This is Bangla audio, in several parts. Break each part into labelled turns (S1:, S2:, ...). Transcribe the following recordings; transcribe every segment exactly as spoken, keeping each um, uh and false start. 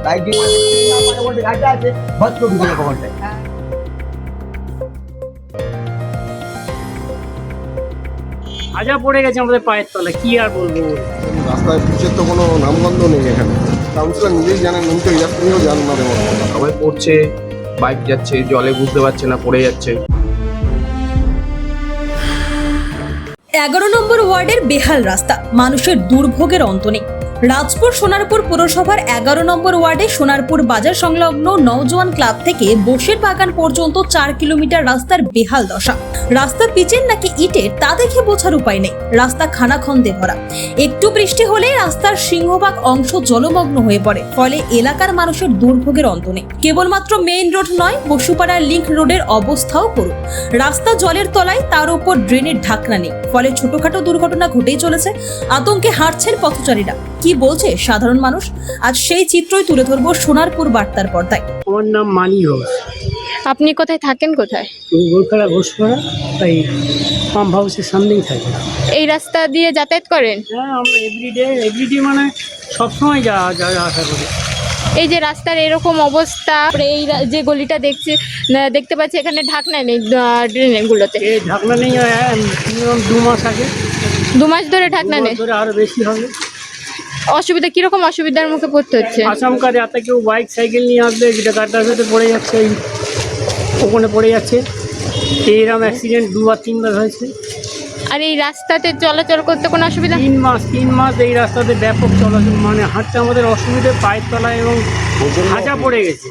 S1: বাইক দিয়ে ঘাটটা আছে ভদ্র ঢুকে কখনটায়।
S2: আজা পড়ে গেছে আমাদের পায়ের তলা, কি আর বলবো।
S3: রাস্তায় পিচের তো কোনো নামগন্ধ নেই এখানে। কাউন্সিলর নিজেই জানেন, উনি তো ইলাস্ট্রিও জানেন না তেমন।
S4: সবাই পড়ছে, বাইক যাচ্ছে, জলে বুঝতে পারছে না, পড়ে যাচ্ছে।
S5: এগারো নম্বর ওয়ার্ডের বেহাল রাস্তা, মানুষের দুর্ভোগের অন্ত নেই। রাজপুর সোনারপুর পুরসভার এগারো নম্বর ওয়ার্ডে সোনারপুর বাজার সংলগ্ন নওজোয়ান ক্লাব থেকে বসির বাগান পর্যন্ত চার কিলোমিটার রাস্তার বেহাল দশা। রাস্তা পিচের নাকি ইটের তা দেখে বোঝার উপায় নেই। রাস্তা খানাখন্দে ভরা, একটু বৃষ্টি হলে রাস্তার সিংহভাগ অংশ জলমগ্ন হয়ে পড়ে, ফলে এলাকার মানুষের দুর্ভোগের অন্ত নেই। কেবলমাত্র মেইন রোড নয়, বসুপাড়ার লিংক রোডের অবস্থাও করুন। রাস্তা জলের তলায়, তার উপর ড্রেনের ঢাকনা নেই, ফলে ছোটখাটো দুর্ঘটনা ঘটেই চলেছে। আতঙ্কে হাঁটছেন পথচারীরা। কি বলছে সাধারণ মানুষ, আজ সেই চিত্রই তুলে ধরবো সোনারপুর বার্তার পর্দায়।
S2: আমার নাম মানি ঘোষ।
S6: আপনি কোথায় থাকেন? কোথায়?
S2: গোলপাড়া ঘোষপাড়া, তাই পাম্প হাউসের সামনেই থাকি।
S6: এই রাস্তা দিয়ে যাতায়াত করেন?
S2: হ্যাঁ, আমরা এভরিডে এভরিডে মানে সবসময় যা যা আসা করি।
S6: এই যে রাস্তার এরকম অবস্থা, এই রা- যে গলিটা দেখছি দেখতে পাচ্ছি এখানে ঢাকনা নেই ড্রেনের গুলোতে।
S2: এই ঢাকনা নেই, মিনিমাম দু মাস আগে।
S6: দু মাস ধরে ঢাকনা নেই,
S2: ধরে আরো বেশি হবে।
S6: অসুবিধা কিরকম অসুবিধার মুখে পড়তে হচ্ছে?
S2: আচমকা রাতে কেউ বাইক সাইকেল নিয়ে আসবে, যেটা গাড্ডার ভেতরে পড়ে যাচ্ছে, এই ওখানে পড়ে যাচ্ছে। এইরকম অ্যাক্সিডেন্ট দুবার তিনবার হয়েছে।
S6: আর এই রাস্তাতে চলাচল করতে কোনো অসুবিধা?
S2: তিন মাস তিন মাস এই রাস্তাতে ব্যাপক চলাচল, মানে হাঁটতে আমাদের অসুবিধে, পায়ের তলায় এবং হাজা পড়ে গেছে।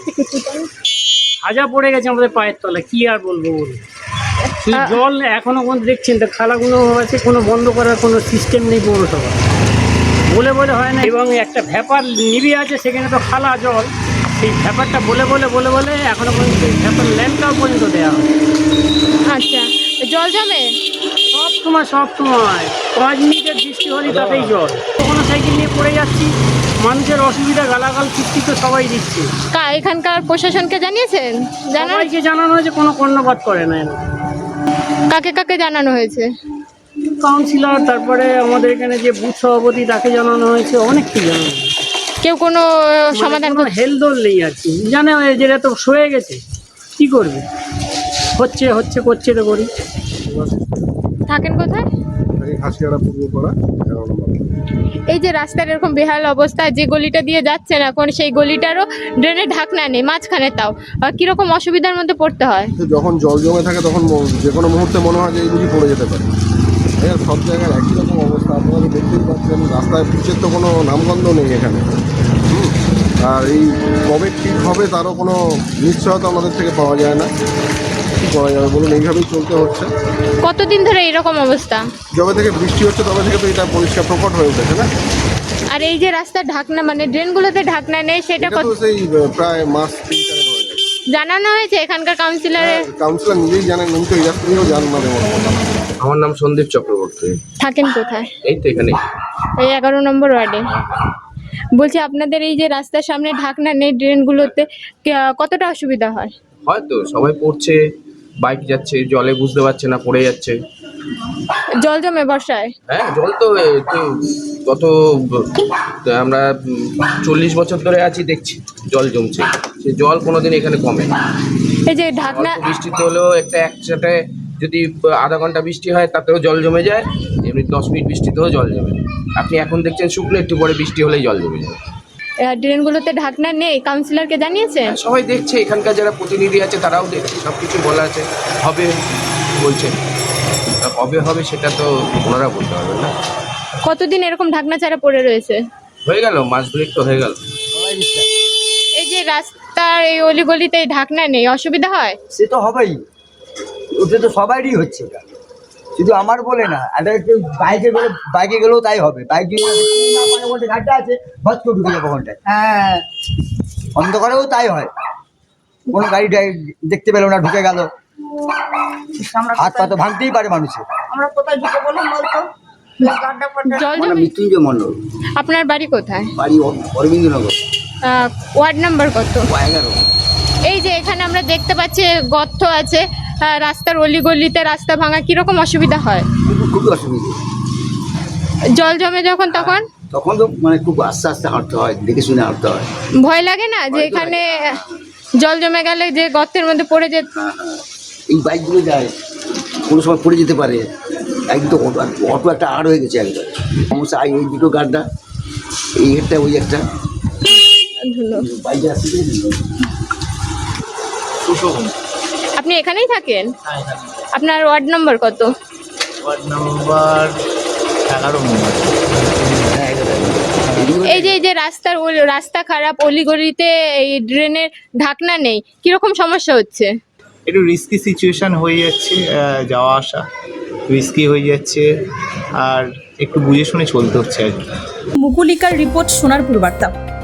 S2: হাজা পড়ে গেছে আমাদের পায়ের তলায়, কি আর বলবো বলুন। সেই জল এখনো কোন দেখছেন তো, খালাগুলো আছে, কোনো বন্ধ করার কোনো সিস্টেম নেই পৌরসভা, বলে বলে হয় না। এবং একটা ভ্যাপার নিবি আছে, সেখানে তো খালা জল, সেই ভ্যাপারটা বলে বলে বলে বলে এখনো পর্যন্ত এই ভ্যাপার ল্যাম্পটাও পর্যন্ত দেওয়া হয়।
S6: আচ্ছা, জল জমে
S2: সব সময় সব সময় পাঁচ মিনিটের বৃষ্টি হলে তাতেই জল। কখনো সাইকেল নিয়ে পড়ে যাচ্ছি, মানুষের অসুবিধা, গালাগাল কিস্তি তো সবাই দিচ্ছে।
S6: কা এখানকার প্রশাসনকে জানিয়েছেন? জানা
S2: সবাইকে জানানো হয়েছে, কোনো কর্ণপাত করে না এরা।
S6: কাকে কাকে জানানো হয়েছে?
S2: কাউন্সিলর, তারপরে আমাদের এখানে যে বুথ সভাপতি, তাকে জানানো হয়েছে, অনেককে জানানো হয়েছে।
S6: কেউ কোনো সমাধান করছে?
S2: হেলদোল নেই আর কি, জানে যেটা তো সয়ে গেছে, কি করবে, হচ্ছে হচ্ছে করছে তো করি।
S6: থাকেন কোথায়?
S3: এই হাসিয়াড়া পূর্বপাড়া এগারো নম্বর।
S6: এই যে রাস্তার এরকম বেহাল অবস্থা, যে গলিটা দিয়ে যাচ্ছেন এখন, সেই গলিটারও ড্রেনের ঢাকনা নেই মাঝখানে, তাও আহ, কিরকম অসুবিধার মধ্যে পড়তে হয়?
S3: তো যখন জল জমে থাকে তখন ম- যে কোনো মুহূর্তে মনে হয় যে এই বুঝি পড়ে যেতে পারে। এর সব জায়গায় একই রকম অবস্থা, আপনারা তো দেখতেই পাচ্ছেন। রাস্তায় পিচের তো কোনো নামগন্ধ নেই এখানে। হুম। আর এই কবে ঠিক হবে তারও কোনো নিশ্চয়তা আমাদের থেকে পাওয়া যায় না। কী করা যাবে বলুন, এইভাবেই চলতে হচ্ছে।
S6: কতদিন ধরে এরকম অবস্থা?
S3: যবে থেকে বৃষ্টি হচ্ছে তবে থেকে তো এটা পরিষ্কার প্রকট হয়ে উঠেছে না।
S6: আর এই যে রাস্তার ঢাকনা, মানে ড্রেনগুলোতে ঢাকনা নেই, সেটা
S3: এটা
S6: কত
S3: তো সেই আহ, প্রায় মাস তিন চারেক হয়ে গেছে।
S6: জানানো হয়েছে এখানকার কাউন্সিলরে?
S3: কাউন্সিলর নিজেই জানেন, উনি তো ইলাস্ট্রিও জানেন না তেমন।
S4: আমার নাম সন্দীপ চক্রবর্তী।
S6: থাকেন কোথায়?
S4: এই তো এখানে।
S6: এই এগারো নম্বর ওয়ার্ডে। বলছি, আপনাদের এই যে রাস্তার সামনে ঢাকনা নেই ড্রেনগুলোতে, কে- কতটা অসুবিধা হয়?
S4: হয়তো সবাই পড়ছে, বাইক যাচ্ছে, জলে বুঝতে পারছে না, পড়ে যাচ্ছে।
S6: জল জমে বর্ষায়?
S4: হ্যাঁ, জল তো এ, তো গত ব- আমরা উম, চল্লিশ বছর ধরে আছি, দেখছি জল জমছে। সে জল কোনোদিন এখানে কমে না।
S6: এই যে ঢাকনা,
S4: অল্প বৃষ্টিতে হলেও একটা একসাথে যদি আধা ঘন্টা বৃষ্টি হয় তাতেও জল জমে যায়, এমনি দশ মিনিট বৃষ্টিতেও জল জমে যায়। আপনি এখন দেখছেন শুকনো, একটু পরে বৃষ্টি হলেই জল জমে যায়।
S6: আহ, ড্রেনগুলোতে ঢাকনা নেই, কাউন্সিলরকে জানিয়েছেন?
S4: সবাই দেখছে, এখানকার যারা প্রতিনিধি আছে তারাও দেখছে, সব কিছু বলা আছে, হবে বলছে। তা কবে হবে সেটা তো ওনারা বলতে পারবেন না।
S6: কতদিন এরকম ঢাকনা ছাড়া পড়ে রয়েছে?
S4: হয়ে গেল, মাস দুয়েক তো হয়ে গেল।
S6: এই যে রাস্তার এই অলিগলিতে ঢাকনা নেই, অসুবিধা হয়?
S1: সে তো হবেই, ওটা তো সবারই হচ্ছে। এটা শুধু আমার বলে না, একটা কেউ বাইকে গেলে বাইকে গেলেও তাই হবে। বাইক দিয়ে ঘাটটা আছে ভদ্র ঢুকে যাবে কখনটায়। হ্যাঁ, অন্ধকারেও তাই হয়। কোনো গাড়ি ডাই- দেখতে পেলো না, ঢুকে গেল, হাত পা তো ভাঙতেই পারে মানুষের।
S7: আমরা কোথায় ঢুকে বলুন বলতো? গাড্ডা ফাড্ডা।
S6: জল
S1: আমার নাম
S6: জমে?
S1: মৃত্যুঞ্জয় মণ্ডল,
S6: আপনার বাড়ি কোথায়?
S1: বাড়ি অ- অরবিন্দনগর,
S6: আহ, ওয়ার্ড নাম্বার কত?
S1: এগারো।
S6: এই যে এখানে আমরা দেখতে পাচ্ছি গর্ত আছে, আহ, রাস্তার অলিগলিতে রাস্তা ভাঙা, কিরকম অসুবিধা হয়?
S1: খুব খুবই অসুবিধা।
S6: জল জমে যখন, তখন
S1: তখন তো মানে খুব আস্তে আস্তে হাঁটতে হয়, দেখে শুনে হাঁটতে হয়।
S6: ভয় লাগে না যে এখানে জল জমে গেলে যে গর্তের মধ্যে পড়ে যে
S1: এই বাইকগুলো যায়, কোনো সময় পড়ে যেতে পারে। একদিন তো অটো অটো একটা আড় হয়ে গেছে একদম সমস্যা। এই এই দুটো গাড্ডা, এই একটা ওই একটা
S6: ধুলো।
S1: বাইকে আসতে
S6: আপনি এখানেই থাকেন? আপনার ওয়ার্ড নম্বর কত?
S8: ওয়ার্ড নাম্বার এগারো নম্বর।
S6: এই যে এই যে রাস্তার ওল- রাস্তা খারাপ, অলিগলিতে এই ড্রেনের ঢাকনা নেই, কিরকম সমস্যা হচ্ছে?
S8: একটু রিস্কি সিচুয়েশন হয়ে যাচ্ছে, আহ, যাওয়া আসা রিস্কি হয়ে যাচ্ছে, আর একটু বুঝে শুনে চলতে হচ্ছে আর কি।
S5: মুকুলিকার রিপোর্ট, সোনারপুর বার্তা।